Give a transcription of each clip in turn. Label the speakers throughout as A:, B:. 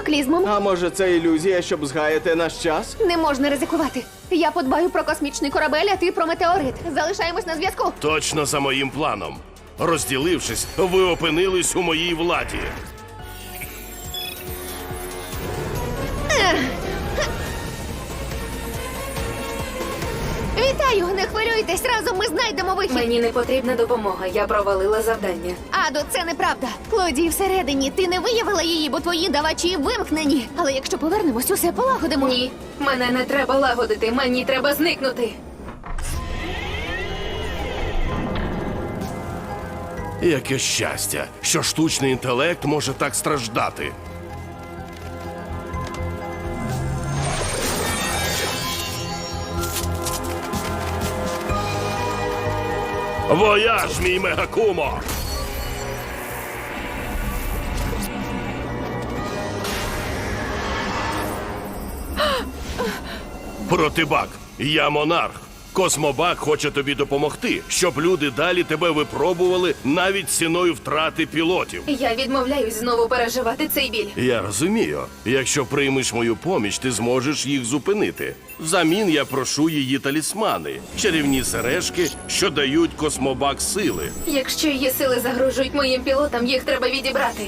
A: катаклізмом.
B: А може це ілюзія, щоб згаяти наш час?
A: Не можна ризикувати. Я подбаю про космічний корабель, а ти про метеорит. Залишаємось на зв'язку.
C: Точно за моїм планом. Розділившись, ви опинились у моїй владі.
A: Вітаю, не хвилюйтесь, разом ми знайдемо вихід.
D: Мені не потрібна допомога, я провалила завдання.
A: Адо, це неправда. Клодії всередині, ти не виявила її, бо твої давачі вимкнені. Але якщо повернемось, усе полагодимо.
D: Ні, мене не треба лагодити, мені треба зникнути.
C: Яке щастя, що штучний інтелект може так страждати. Вояж, мій мегакумо! Протибак, я монарх. Космобак хоче тобі допомогти, щоб люди далі тебе випробували навіть ціною втрати пілотів.
D: Я відмовляюсь знову переживати цей біль.
C: Я розумію. Якщо приймеш мою поміч, ти зможеш їх зупинити. Взамін я прошу її талісмани, чарівні сережки, що дають космобак сили.
D: Якщо її сили загрожують моїм пілотам, їх треба відібрати.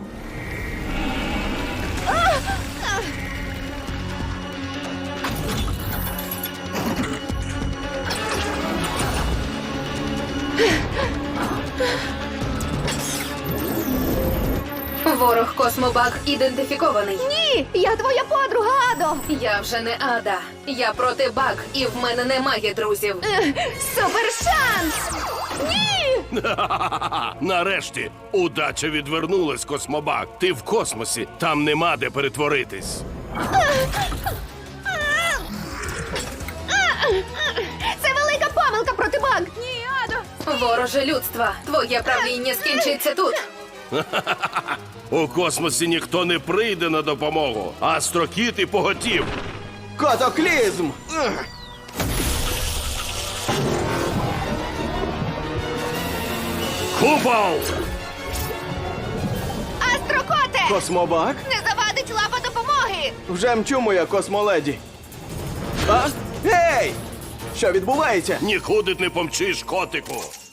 D: Ворог Космобак ідентифікований.
A: Ні, я твоя подруга, Адо.
D: Я вже не Ада. Я проти Баг, і в мене немає друзів.
A: Супер шанс! Ні!
C: Нарешті, удача відвернулась, Космобак. Ти в космосі, там нема де перетворитись.
A: Це велика помилка проти баг. Ні, Адо.
D: Вороже людства, твоє правління скінчиться тут.
C: У космосі ніхто не прийде на допомогу, а Астрокіт і поготів.
B: Катаклізм!
C: Купол!
A: Астрокоте!
B: Космобак?
A: Не завадить лапа допомоги!
B: Вже мчу, моя космоледі. А? Гей! Що відбувається?
C: Нікуди не помчиш, котику.